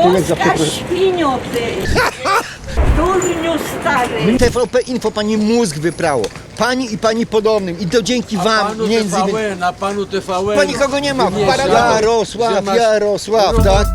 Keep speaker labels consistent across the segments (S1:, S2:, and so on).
S1: tyłek za przeproszeniem.
S2: Świnio ty! Durniu stary!
S1: TVP Info pani mózg wyprało. Pani i pani podobnym. I to dzięki wam, między innymi.
S3: A panu TVN.
S1: Pani kogo nie ma?
S3: Wymiesza,
S1: Jarosław, tak?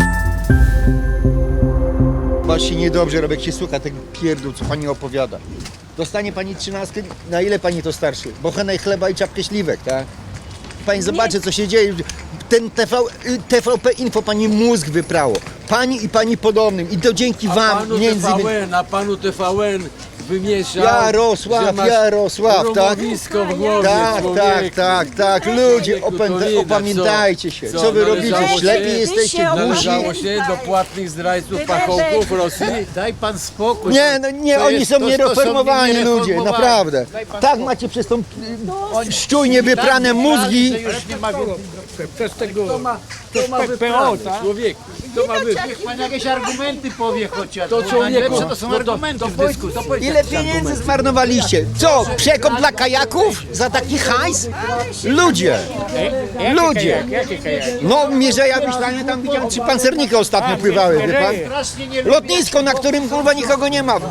S1: Właśnie niedobrze robię, jak się słucha tego pierdół, co pani opowiada. Dostanie pani 13, na ile pani to starszy? Bochenek chleba i czapkę śliwek, tak? Pani zobaczy, co się dzieje. Ten TVP Info pani mózg wyprało. Pani i pani podobnym. I to dzięki wam, między innymi.
S3: A panu TVN wymiesza.
S1: Jarosław, tak?
S3: W głowie
S1: Tak. Ludzie, opamiętajcie się. Co wy robicie? Ślepi jesteście, głusi.
S3: Należało się do płatnych zdrajców, pachołków Rosji.
S4: Daj pan spokój.
S1: Nie, no nie,
S4: To
S1: oni
S4: jest-
S1: są
S4: to
S1: niereformowani ludzie,
S4: niereformowani.
S1: naprawdę. Tak macie przez tą szczujnie wyprane mózgi.
S4: Już nie ma więcej.
S5: Przez tego
S3: To ma
S5: PO,
S3: wyprawy,
S5: tak?
S3: człowieku. To ma wyprawy.
S4: Niech pan jakieś argumenty powie chociaż.
S3: To
S4: bo
S3: człowieku,
S4: najlepsze to są argumenty w dyskusji.
S1: Ile pieniędzy zmarnowaliście? Co, przekop dla kajaków? Za taki hajs? Ludzie! Ludzie! No, Mierzeja Wiślanie, tam widziałem 3 pancernika ostatnio pływały, wie pan?
S4: Strasznie nie
S1: Lotnisko, na którym kurwa nikogo nie ma.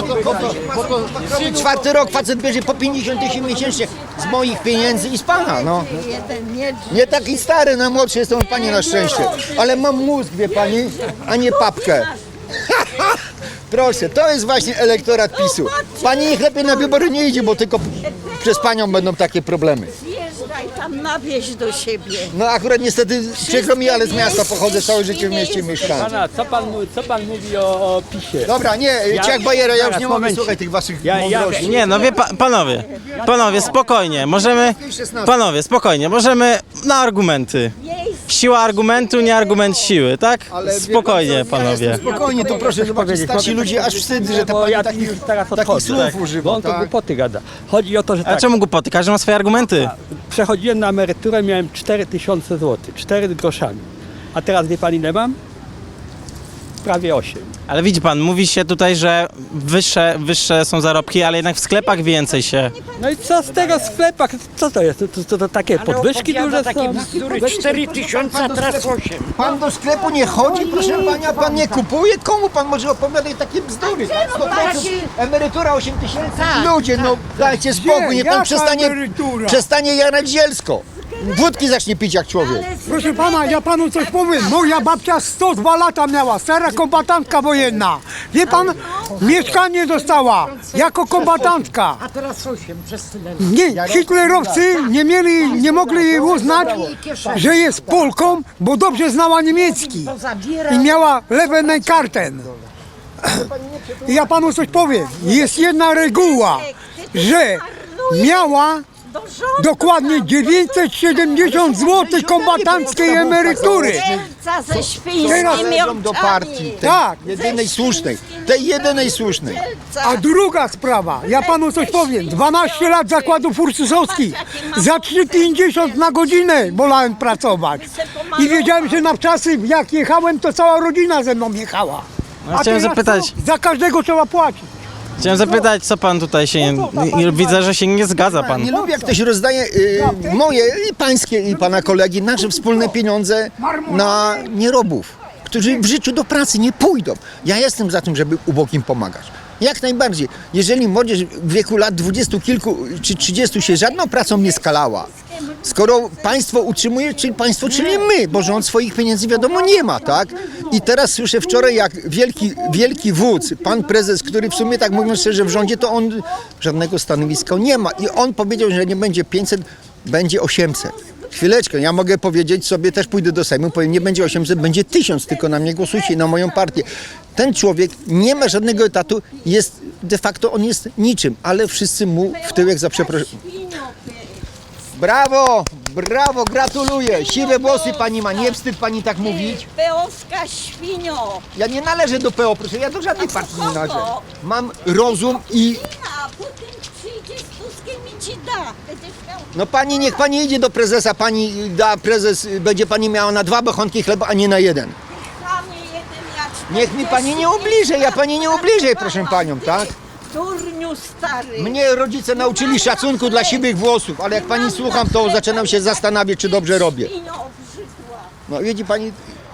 S1: Czwarty rok facet bierze po 50 000 miesięcznie z moich pieniędzy i z pana, no.
S2: Jeden nie
S1: Nie taki stary, no młodszy jestem od pani na szczęście. Ale mam mózg, wie pani, a nie papkę. Proszę, to jest właśnie elektorat PiS-u. Pani niech lepiej na wybory nie idzie, bo tylko przez panią będą takie problemy.
S2: zjeżdżaj tam na wieś do siebie.
S1: No akurat niestety, przykro mi, ale z miasta pochodzę, całe życie w mieście mieszkam.
S5: Pana, co pan mówi o PiS-ie?
S1: Dobra, nie, Ciak Bajera, ja już nie mogę
S5: momencik.
S1: słuchać tych waszych
S5: Ja-
S1: mądrości.
S6: Nie, no wie panowie, spokojnie, możemy, panowie, spokojnie, możemy na argumenty. Siła argumentu, nie argument siły, tak?
S1: Ale wie
S6: Spokojnie,
S1: pan co, ja
S6: panowie.
S1: jestem spokojnie, to proszę zobaczyć, starsi ludzie aż wstyd, że ta
S5: Bo
S1: pani
S5: ja
S1: takich
S5: teraz odchodzę,
S1: słów
S5: tak. Bo
S1: używa,
S5: on to
S1: tak?
S5: głupoty gada. Chodzi o to, że
S6: A
S5: tak,
S6: czemu głupoty? Każdy ma swoje argumenty.
S5: przechodziłem na emeryturę, miałem 4000 zł, 4 groszami. A teraz wie pan ile mam? Prawie 8.
S6: Ale widzi pan, mówi się tutaj, że wyższe są zarobki, ale jednak w sklepach więcej się.
S5: No i co z tego sklepa? Co to jest? To takie podwyżki duże są?
S2: 4000, a teraz 8.
S1: Pan do sklepu nie chodzi, proszę pana, pan nie kupuje? Komu pan może opowiadać takie bzdury? 100%, emerytura 8 000? Ludzie, no dajcie spokój, niech pan przestanie jarać zielsko. Wódki zacznie pić jak człowiek.
S7: Proszę pana, ja panu coś powiem. Moja babcia 102 lata miała, stara kombatantka wojenna. Wie pan, mieszkanie dostała jako kombatantka.
S2: A teraz 8 przez tyle.
S7: Nie, hitlerowcy nie mogli jej uznać, że jest Polką, bo dobrze znała niemiecki i miała lewę karten. I ja panu coś powiem. Jest jedna reguła, że miała dokładnie 970 zł kombatanckiej emerytury.
S2: Wielca ze
S1: Teraz
S2: świńskimi
S1: idą do partii, tej
S7: Tak.
S1: jedynej słusznej.
S7: A druga sprawa, ja panu coś powiem. 12 lat zakładów ursusowskich. Za 3,50 na godzinę wolałem pracować. I wiedziałem, że na czasy jak jechałem, to cała rodzina ze mną jechała.
S6: No, chciałem
S7: teraz
S6: zapytać,
S7: co? Za każdego trzeba płacić.
S6: co pan tutaj się, widzę, że się nie zgadza pan.
S1: Nie lubię, jak ktoś rozdaje moje i pańskie i pana kolegi nasze wspólne pieniądze na nierobów, którzy w życiu do pracy nie pójdą. Ja jestem za tym, żeby ubogim pomagać. Jak najbardziej. Jeżeli młodzież w wieku lat 20 kilku czy 30 się żadną pracą nie skalała, skoro państwo utrzymuje, czyli państwo, czyli my, bo rząd swoich pieniędzy wiadomo nie ma, tak? I teraz słyszę wczoraj, jak wielki wódz, pan prezes, który w sumie tak mówiąc szczerze w rządzie, to on żadnego stanowiska nie ma. I on powiedział, że nie będzie 500, będzie 800. Chwileczkę, ja mogę powiedzieć sobie, też pójdę do Sejmu, powiem, nie będzie 800, będzie 1000, tylko na mnie głosujcie i na moją partię. Ten człowiek nie ma żadnego etatu, jest de facto on jest niczym, ale wszyscy mu w tyłek za przeproszeniem. Brawo, brawo, gratuluję. Siwe włosy pani ma, nie wstyd pani tak mówić.
S2: Peowska świnio.
S1: Ja nie należę do PO, proszę, ja do żadnej partii nie należę. Mam rozum i...
S2: A potem przyjdzie z Tuskiem i ci da. Będziesz miał...
S1: No pani, niech pani idzie do prezesa, pani da, prezes, będzie pani miała na 2 bochenki chleba, a nie na 1.
S2: Panie jeden, ja
S1: Niech mi pani nie ubliżej, ja pani nie ubliżej, proszę panią, tak?
S2: Durniu stary.
S1: Mnie rodzice nauczyli szacunku dla siwych włosów, ale jak pani słucham, to zaczynam się zastanawiać, czy dobrze robię.
S2: Świnio obrzydła.
S1: No widzi pani,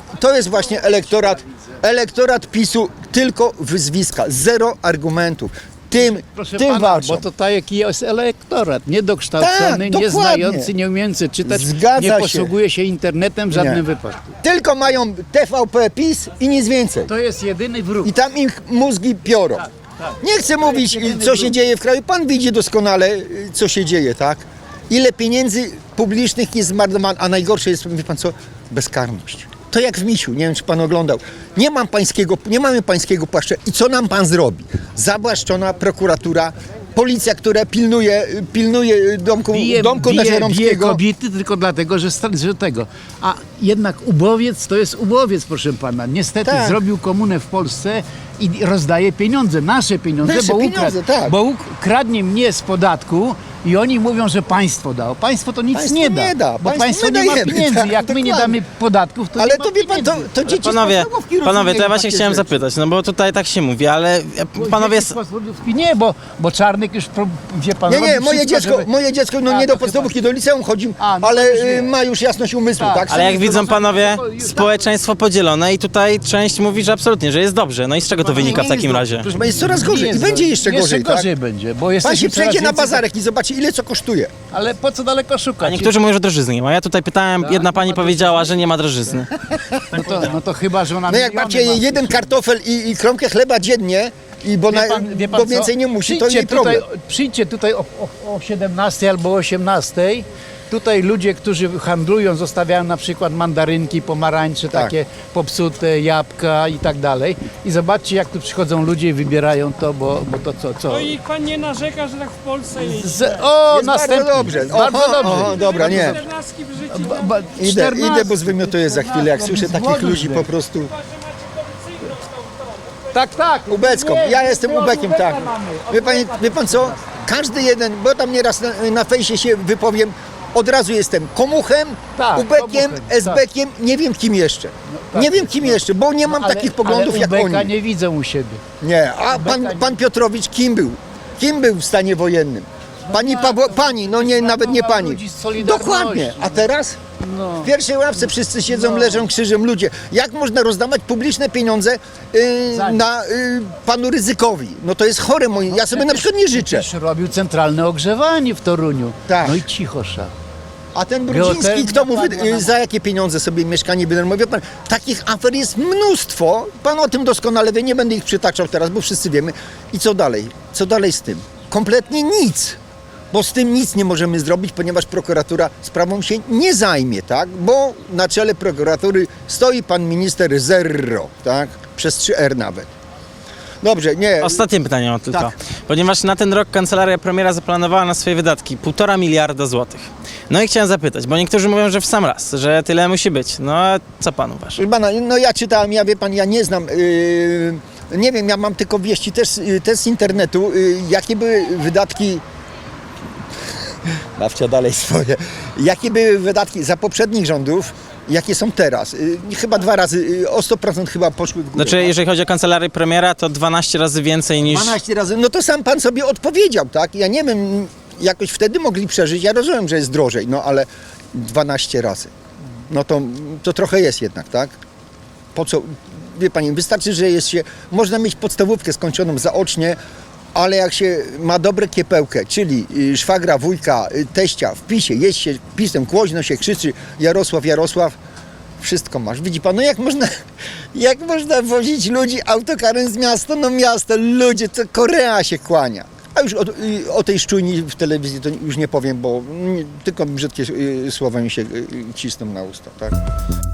S1: to jest właśnie elektorat PiSu, tylko wyzwiska, zero argumentów.
S4: Proszę
S1: Tym
S4: pana,
S1: walczą.
S4: bo to taki jest elektorat, niedokształcony,
S1: Tak,
S4: nie
S1: dokładnie.
S4: znający, nie umiejący czytać,
S1: Zgadza
S4: nie
S1: się.
S4: posługuje się internetem w żadnym
S1: Nie.
S4: wypadku.
S1: Tylko mają TVP PiS i nic więcej.
S4: To jest jedyny wróg.
S1: I tam ich mózgi piorą. Nie chcę mówić, co się dzieje w kraju. Pan widzi doskonale, co się dzieje, tak? Ile pieniędzy publicznych jest zmarnowane, a najgorsze jest, wie pan co, bezkarność. To jak w Misiu, nie wiem, czy pan oglądał. Nie mamy pańskiego płaszcza. I co nam pan zrobi? Zabłaszczona prokuratura, policja, która pilnuje domku
S4: bije
S1: Nazieromskiego.
S4: kobiety tylko dlatego, że tego. A jednak ubowiec to jest ubowiec, proszę pana. Niestety
S1: Tak.
S4: zrobił komunę w Polsce i rozdaje pieniądze, nasze pieniądze,
S1: Nasze pieniądze, tak.
S4: bo kradnie mnie z podatku i oni mówią, że państwo dało. Państwo to nic
S1: Państwo
S4: nie da,
S1: nie da.
S4: bo
S1: Państwo
S4: państwo
S1: my
S4: nie ma
S1: dajemy,
S4: pieniędzy.
S1: tak,
S4: Jak my nie
S1: dokładnie.
S4: damy podatków, to
S1: Ale
S4: nie ma
S1: to wie pan,
S4: pieniędzy.
S1: to dzieci
S6: Panowie,
S1: z podstawówki
S6: to ja
S1: rozumieją
S6: właśnie
S1: takie
S6: chciałem
S1: rzeczy.
S6: zapytać, no bo tutaj tak się mówi, ale panowie...
S4: Dzieci z podstawówki nie, bo Czarnek już, wie pan,
S1: Nie,
S4: robi
S1: moje
S4: wszystko,
S1: dziecko,
S4: żeby-
S1: moje dziecko no
S4: A,
S1: nie
S4: to
S1: do podstawówki, do liceum chodzi,
S4: A, no
S1: ale
S4: to już wiem.
S1: ma już jasność umysłu,
S4: Tak.
S1: tak?
S6: Ale jak widzą panowie,
S4: to-
S6: społeczeństwo podzielone i tutaj część mówi, że absolutnie, że jest dobrze. No i z czego to wynika w takim razie?
S1: Proszę pana, jest coraz
S4: Nie
S1: gorzej i
S4: jest
S1: będzie
S4: dobrze.
S1: jeszcze gorzej, tak?
S4: gorzej będzie, bo
S1: Pan
S4: jesteśmy
S1: się
S4: coraz
S1: przejdzie na
S4: więcej-
S1: bazarek i zobaczy, ile co kosztuje.
S4: Ale po co daleko
S6: A
S4: szukać?
S6: niektórzy mówią, że drożyzny nie ma. Ja tutaj pytałem, jedna pani powiedziała, że nie ma drożyzny.
S4: No to chyba, że ona
S1: No jak macie jeden kartofel i kromkę chleba dziennie, bo więcej nie musi, to nie problem.
S4: Przyjdźcie tutaj o 17 albo 18. Tutaj ludzie, którzy handlują, zostawiają na przykład mandarynki, pomarańcze,
S1: Tak.
S4: takie popsute, jabłka i tak dalej. I zobaczcie, jak tu przychodzą ludzie i wybierają to, bo to co?
S8: No i pan nie narzeka, że tak w Polsce jest.
S4: O,
S1: Jest bardzo
S4: następny.
S1: dobrze.
S4: Bardzo dobrze.
S1: Oho, dobra, nie.
S8: 14 w życiu.
S1: Idę, bo zwymiotuję za chwilę, jak słyszę takich ludzi po prostu.
S4: Tak.
S1: Ubecką. Ja jestem ubekiem, tak. Wie pan co? Każdy jeden, bo tam nieraz na fejsie się wypowiem, od razu jestem komuchem,
S4: Tak,
S1: ubekiem,
S4: komuchem,
S1: esbekiem, nie wiem kim jeszcze. Nie wiem kim jeszcze, bo nie mam takich poglądów jak
S4: Ubeka
S1: oni.
S4: nie widzę u siebie.
S1: Nie, a pan Piotrowicz kim był? Kim był w stanie wojennym? Pani, no nie, nawet nie pani.
S4: ludzi z Solidarności.
S1: Dokładnie, a teraz?
S4: No.
S1: W pierwszej ławce wszyscy siedzą, leżą krzyżem ludzie. Jak można rozdawać publiczne pieniądze na panu Rydzykowi? No to jest chore moje. Ja sobie na przykład nie życzę.
S4: Też robił centralne ogrzewanie w Toruniu.
S1: Tak.
S4: No i cichosza.
S1: A ten Brudziński, kto mu za jakie pieniądze sobie mieszkanie wynajmuje? Wie pan, takich afer jest mnóstwo. Pan o tym doskonale wie, nie będę ich przytaczał teraz, bo wszyscy wiemy. I co dalej? Co dalej z tym? Kompletnie nic. Bo z tym nic nie możemy zrobić, ponieważ prokuratura sprawą się nie zajmie, tak? Bo na czele prokuratury stoi pan minister Zerro, tak? Przez 3R nawet. Dobrze, nie.
S6: Ostatnie pytanie mam tylko.
S1: Tak.
S6: Ponieważ na ten rok kancelaria premiera zaplanowała na swoje wydatki 1,5 miliarda złotych. No i chciałem zapytać, bo niektórzy mówią, że w sam raz, że tyle musi być. No a co pan uważa?
S1: Proszę pana, no ja czytałem, wie pan, ja nie znam, nie wiem, ja mam tylko wieści też z internetu, jakie były wydatki, bawcia dalej swoje, jakie były wydatki za poprzednich rządów, jakie są teraz. Chyba 2 razy, o 100% chyba poszły w górę.
S6: Znaczy, jeżeli chodzi o kancelarię premiera, to 12 razy więcej niż...
S1: 12 razy, no to sam pan sobie odpowiedział, tak? Ja nie wiem, jakoś wtedy mogli przeżyć, ja rozumiem, że jest drożej, no ale 12 razy. No to trochę jest jednak, tak? Po co? Wie pani, wystarczy, że jest się, można mieć podstawówkę skończoną zaocznie, ale jak się ma dobre kiepełkę, czyli szwagra, wujka, teścia w PiSie, jest się PiS-em, głośno się krzyczy Jarosław, wszystko masz. Widzi pan, no jak można wozić ludzi autokarem z miasta, no miasto, ludzie, to Korea się kłania. A już o tej szczujni w telewizji to już nie powiem, bo tylko brzydkie słowa mi się cisną na usta, tak?